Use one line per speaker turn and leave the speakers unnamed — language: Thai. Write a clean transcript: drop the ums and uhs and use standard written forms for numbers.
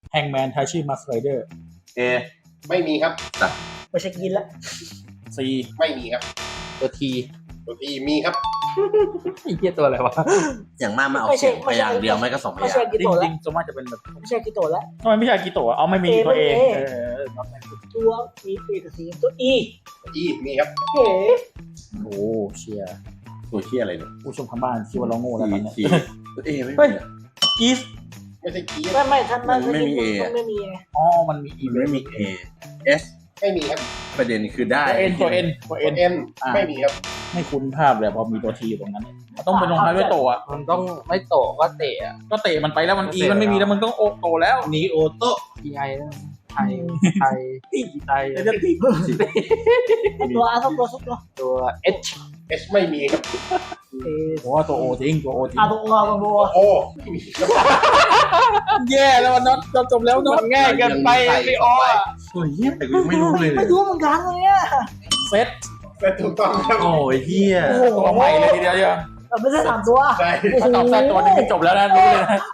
แฮงแมนทาชิมัสไรเดอร์
เอ
ไม่มีครับ
ไม่ใช่กินละ
ซี
ไม่มีครับ
ตัวที
ตัวทีมีครับ
ไอ้เหี้ยตัวอะไรวะ
อย่างมากมันออกเสียงพยางค์เดียวไม่ก็สองพ
ไม่
ยา
ใช่
งค์
กิ
จ
โตะ
ริ
ละ
งๆส่วนมากจะเป็นแบบ
ไม่ใช่กิโตะละ
ทำไมไม่ใช่อากิโตะเอาไม่มีตัวเอง
เอ
ตัว
มีเอกสีตัวอี
อีมีครับ
เอ๋
โอ้เชียร์
ตัวเชี่ยอะไรเนี่ย
ผู้ชมทางบ้านคิดว่าเราโง่แล้วตอนเนี้ย
ทีตัวเอไม่
เฮ้ย
มีอะ
กีส
ไม่ใช่กี
ไม่ท่าน
มันไม่มี A
มันไม่มีไง
อ๋อมันมีอี
มันไม่มีเอเอส
ไม่มีครับ
ประเด็นคือได้
ตัวเอ็น
เอ็นไม่มีครับ
ไม่คุ้นภาพเลยพอมีตัวทีอยู่ตรงนั้นมันต้องเป็นลงท้ายด้วยโตอ่ะ
มันต้องไม่โตะก็เตะอะ
ก็เตะมันไปแล้วมันอีมันไม่มีแล้วมันต้องโอโตแล้ว
นีโอโต
TI ไทยไทยไทย
จะตี
ตัวอาทุกตัวทุกตัว
ตัว H
เอสไม่มีครับ
เอ
โอ้ตัวโอจริงตัวโอจริง
อาตัวตัว
โอ้ไม่มีครับ
แย่แล้วน็อตจบแล้วน็อต
ง่ายเกินไปไม่ออก
ตัวเฮียแต่กูยังไม่รู้เลย
ไม่รู้เหมือนกันเลยอ่ะ
เซต
แต่ถูกต้องครับ
โอ้ยเฮีย
ตัวใหม่เลยทีเดียว
ไม่ใช่3ตัว
ใช่
ถ้าตอบแซดตัวนึงจบแล้วนะรู้เลยนะ